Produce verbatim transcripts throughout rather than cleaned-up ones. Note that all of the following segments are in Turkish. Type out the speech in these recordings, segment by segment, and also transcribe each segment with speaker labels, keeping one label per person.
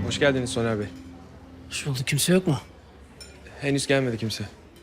Speaker 1: Hoş geldiniz Soner Bey.
Speaker 2: Hoş bulduk. Kimse yok mu?
Speaker 1: Henüz gelmedi kimse.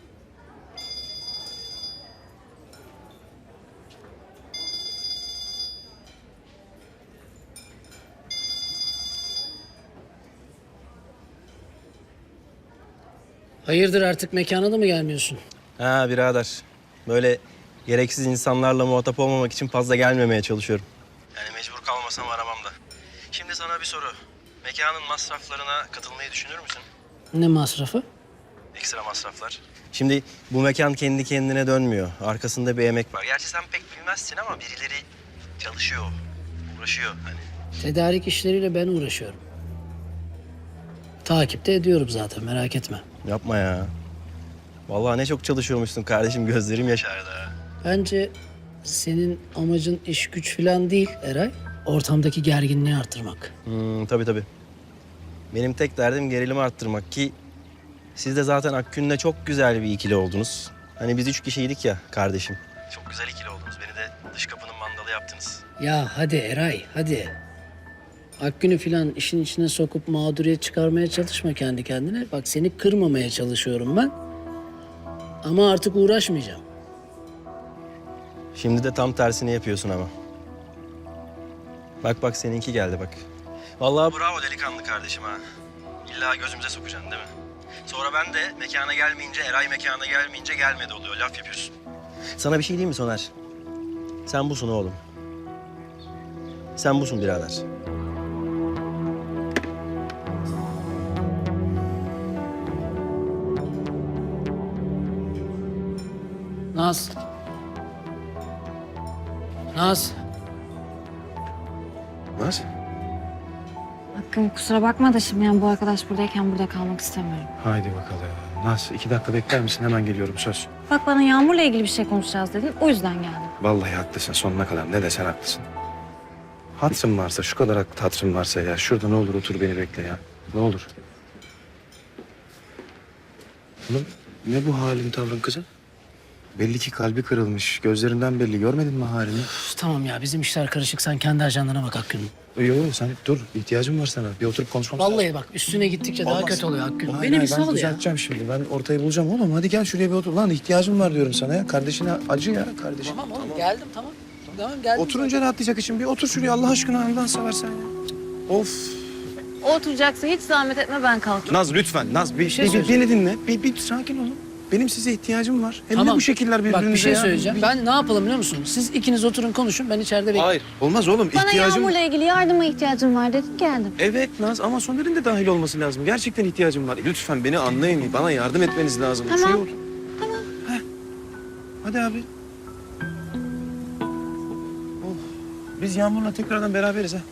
Speaker 2: Hayırdır, artık mekana da mı gelmiyorsun?
Speaker 3: Ha birader. Böyle gereksiz insanlarla muhatap olmamak için fazla gelmemeye çalışıyorum. Yani mecbur kalmasam aramam da. Şimdi sana bir soru. Mekanın masraflarına katılmayı düşünür müsün?
Speaker 2: Ne masrafı?
Speaker 3: Ekstra masraflar. Şimdi bu mekan kendi kendine dönmüyor. Arkasında bir emek var. Gerçi sen pek bilmezsin ama birileri çalışıyor, uğraşıyor hani.
Speaker 2: Tedarik işleriyle ben uğraşıyorum. Takipte ediyorum zaten, merak etme.
Speaker 3: Yapma ya. Vallahi ne çok çalışıyormuşsun kardeşim. Gözlerim yaşardı ha.
Speaker 2: Bence senin amacın iş güç falan değil Eray. Ortamdaki gerginliği arttırmak.
Speaker 3: Hmm, tabii tabii. Benim tek derdim gerilimi arttırmak ki siz de zaten Akgün'le çok güzel bir ikili oldunuz. Hani biz üç kişiydik ya kardeşim. Çok güzel ikili oldunuz. Beni de dış kapının mandalı yaptınız.
Speaker 2: Ya hadi Eray, hadi. Akgün'ü falan işin içine sokup mağduriyet çıkarmaya çalışma kendi kendine. Bak, seni kırmamaya çalışıyorum ben. Ama artık uğraşmayacağım.
Speaker 3: Şimdi de tam tersini yapıyorsun ama. Bak bak seninki geldi bak. Vallahi bravo delikanlı kardeşim ha. İlla gözümüze sokacaksın değil mi? Sonra ben de mekana gelmeyince, Eray mekana gelmeyince gelmedi oluyor. Laf yapıyorsun. Sana bir şey diyeyim mi Soner? Sen busun oğlum. Sen busun birader.
Speaker 2: Naz. Naz.
Speaker 1: Naz?
Speaker 4: Hakkım, kusura bakma da şimdi yani bu arkadaş buradayken burada kalmak istemiyorum.
Speaker 1: Haydi bakalım. Naz iki dakika bekler misin? Hemen geliyorum söz.
Speaker 4: Bak, bana Yağmur'la ilgili bir şey konuşacağız dedin. O yüzden geldim.
Speaker 1: Vallahi haklısın sonuna kadar. Ne desen haklısın. Hatırın varsa, şu kadar hatırın varsa ya. Şurada ne olur otur beni bekle ya. Ne olur. Oğlum ne bu halin tavrın kızım? Belli ki kalbi kırılmış. Gözlerinden belli. Görmedin mi halini?
Speaker 2: Üf, tamam ya, bizim işler karışık. Sen kendi ajandana bak Akgün'ün.
Speaker 1: Yok yok sen dur. İhtiyacım var sana. Bir oturup konuşmamız lazım.
Speaker 2: Vallahi bak, üstüne gittikçe daha
Speaker 1: Olmaz.
Speaker 2: kötü oluyor Akgün.
Speaker 1: Hayır,
Speaker 2: Beni bir
Speaker 1: hayır, ben
Speaker 2: sal ya.
Speaker 1: düzelteceğim şimdi. Ben ortayı bulacağım oğlum. Hadi gel şuraya bir otur. Lan ihtiyacım var diyorum sana ya. Kardeşine acı ya kardeşim.
Speaker 2: Tamam oğlum, geldim tamam. Tamam, geldim.
Speaker 1: Oturunca rahatlayacak için bir otur şuraya Allah aşkına Allah'ını seversen ya. Of.
Speaker 4: O oturacaksa hiç zahmet etme, ben kalkayım.
Speaker 1: Naz lütfen Naz bir,
Speaker 2: şey
Speaker 1: bir-
Speaker 2: söyleyeceğim.
Speaker 1: beni dinle. Bir, bir sakin olun. Benim size ihtiyacım var. Hem de
Speaker 2: Tamam.
Speaker 1: bu şekiller birbirinize
Speaker 2: Bak, bir şey
Speaker 1: ya.
Speaker 2: söyleyeceğim.
Speaker 1: Bir-
Speaker 2: Ben ne yapalım biliyor musun? Siz ikiniz oturun konuşun, ben içeride bekleyeyim.
Speaker 1: Hayır. Olmaz oğlum.
Speaker 4: Bana
Speaker 1: ihtiyacım...
Speaker 4: Yağmur'la ilgili yardıma ihtiyacım var dedin, geldim.
Speaker 1: Evet Naz ama Soner'in de dahil olması lazım. Gerçekten ihtiyacım var. Lütfen beni anlayın. Bana yardım etmeniz lazım.
Speaker 4: Tamam.
Speaker 1: Şuraya otur.
Speaker 4: Tamam.
Speaker 1: Heh. Hadi abi. Oh. Biz Yağmur'la tekrardan beraberiz ha.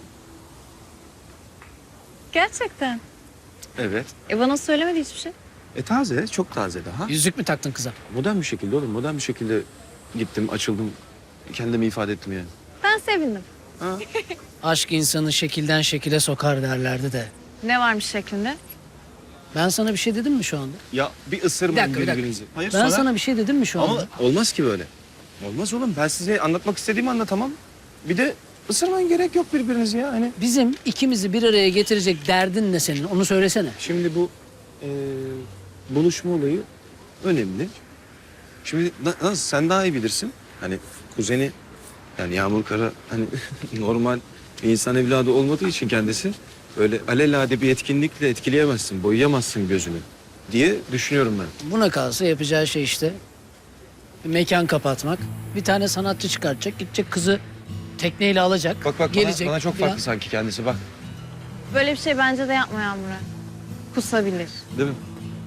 Speaker 4: Gerçekten.
Speaker 1: Evet.
Speaker 4: E bana söylemedi hiçbir şey.
Speaker 1: E taze, çok taze daha.
Speaker 2: Yüzük mü taktın kıza?
Speaker 1: Modern bir şekilde oğlum, modern bir şekilde gittim, açıldım. Kendimi ifade ettim yani.
Speaker 4: Ben sevindim.
Speaker 1: Ha?
Speaker 2: Aşk insanı şekilden şekile sokar derlerdi de.
Speaker 4: Ne varmış şeklinde?
Speaker 2: Ben sana bir şey dedim mi şu anda?
Speaker 1: Ya bir ısırmayın
Speaker 2: Bir dakika, bir dakika.
Speaker 1: birbirinizi. Hayır,
Speaker 2: Ben
Speaker 1: sonra-
Speaker 2: sana bir şey dedim mi şu anda?
Speaker 1: Ama olmaz ki böyle. Olmaz oğlum. Ben size anlatmak istediğimi anlatamam. Bir de ısırmayın, gerek yok birbirinizi ya. Hani
Speaker 2: Bizim ikimizi bir araya getirecek derdin ne senin? Onu söylesene.
Speaker 1: şimdi bu eee, buluşma olayı önemli. Şimdi na- nasıl sen daha iyi bilirsin. Hani kuzeni yani Yağmur Kara hani normal bir insan evladı olmadığı için kendisi öyle alelade bir etkinlikle etkileyemezsin, boyayamazsın gözünü diye düşünüyorum ben.
Speaker 2: Buna kalsa yapacağı şey işte bir mekan kapatmak. Bir tane sanatçı çıkartacak, gidecek kızı tekneyle alacak.
Speaker 1: Bak bak
Speaker 2: gelecek
Speaker 1: bana, bana çok
Speaker 2: falan.
Speaker 1: farklı sanki kendisi bak.
Speaker 4: Böyle bir şey bence de yapma Yağmur'a. Kusabilir.
Speaker 1: Değil mi?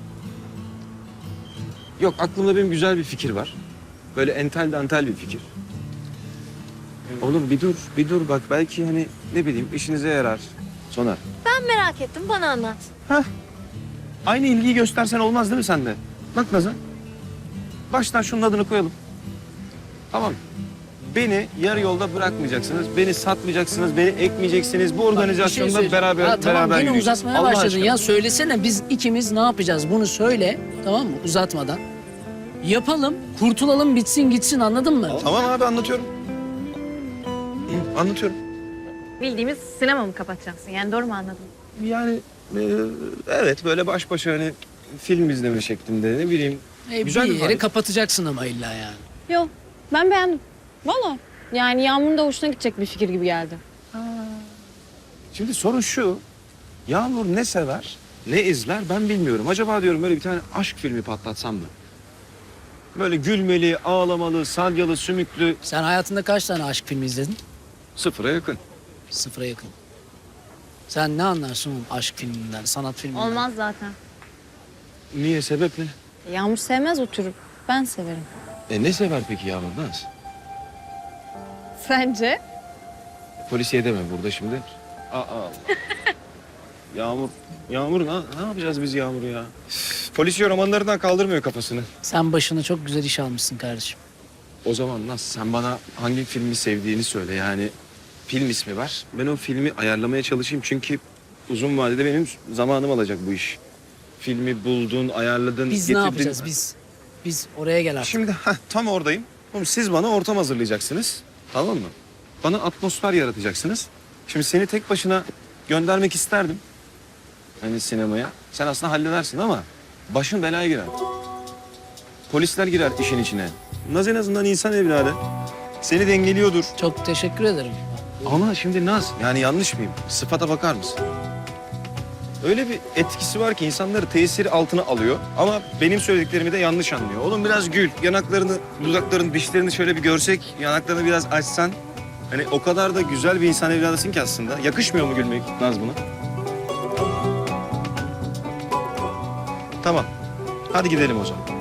Speaker 1: Yok aklımda benim güzel bir fikir var. Böyle entel dantel bir fikir. Oğlum bir dur, bir dur bak belki hani ne bileyim işinize yarar. Soner.
Speaker 4: Ben merak ettim, bana anlat.
Speaker 1: Hah. Aynı ilgiyi göstersen olmaz değil mi sende? Bak Nazan. Baştan şunun adını koyalım. Tamam. Beni yarı yolda bırakmayacaksınız. Beni satmayacaksınız, beni ekmeyeceksiniz. Bu
Speaker 2: Bak, bir şey
Speaker 1: organizasyonda
Speaker 2: söyleyeceğim.
Speaker 1: beraber
Speaker 2: Ya tamam,
Speaker 1: beraber
Speaker 2: yine
Speaker 1: yürüyeceğiz.
Speaker 2: uzatmaya
Speaker 1: Allah
Speaker 2: başladın
Speaker 1: aşkına.
Speaker 2: ya. Söylesene, biz ikimiz ne yapacağız? Bunu söyle, tamam mı? Uzatmadan. Yapalım, kurtulalım, bitsin gitsin, anladın mı?
Speaker 1: Tamam abi anlatıyorum. Hı, anlatıyorum.
Speaker 4: Bildiğimiz sinema mı kapatacaksın? Yani doğru mu anladım?
Speaker 1: Yani e, evet böyle baş başa hani film izleme şeklinde ne bileyim.
Speaker 2: E,
Speaker 1: Güzel
Speaker 2: bir
Speaker 1: bir
Speaker 2: yeri
Speaker 1: vibe.
Speaker 2: kapatacaksın ama illa yani.
Speaker 4: Yok ben beğendim. Valla. Yani Yağmur'un da hoşuna gidecek bir fikir gibi geldi.
Speaker 1: Şimdi sorun şu. Yağmur ne sever, ne izler ben bilmiyorum. Acaba diyorum böyle bir tane aşk filmi patlatsam mı? Böyle gülmeli, ağlamalı, salyalı, sümüklü,
Speaker 2: Sen hayatında kaç tane aşk filmi izledin?
Speaker 1: sıfıra yakın.
Speaker 2: Sıfıra yakın. Sen ne anlarsın oğlum aşk filminden, sanat filminden?
Speaker 4: Olmaz zaten.
Speaker 1: Niye, sebep ne?
Speaker 4: Yağmur sevmez o türü. Ben severim.
Speaker 1: E ne sever peki Yağmur Naz?
Speaker 4: Sence?
Speaker 1: Polisiye deme burada şimdi. Aa. Yağmur, Yağmur ne, ne yapacağız biz Yağmur'u ya? Üf, polisiye romanlarından kaldırmıyor kafasını.
Speaker 2: Sen başına çok güzel iş almışsın kardeşim.
Speaker 1: O zaman Naz sen bana hangi filmi sevdiğini söyle yani. Film ismi ver. Ben o filmi ayarlamaya çalışayım çünkü uzun vadede benim zamanım alacak bu iş. Filmi buldun, ayarladın,
Speaker 2: Biz
Speaker 1: getirdin.
Speaker 2: ne yapacağız biz? Biz oraya gel artık.
Speaker 1: Şimdi heh, tam oradayım. Oğlum, siz bana ortam hazırlayacaksınız. Tamam mı? Bana atmosfer yaratacaksınız. Şimdi seni tek başına göndermek isterdim. Hani sinemaya. Sen aslında halledersin ama başın belaya girer. Polisler girer işin içine. Naz en azından insan evladı. Seni dengeliyordur.
Speaker 2: Çok teşekkür ederim.
Speaker 1: Ama şimdi Naz, yani yanlış mıyım? Sıfata bakar mısın? Öyle bir etkisi var ki insanları tesiri altına alıyor. Ama benim söylediklerimi de yanlış anlıyor. Oğlum biraz gül, yanaklarını, dudaklarını, dişlerini şöyle bir görsek, yanaklarını biraz açsan. Hani o kadar da güzel bir insan evladısın ki aslında. Yakışmıyor mu gülmek Naz buna? Tamam. Hadi gidelim o zaman.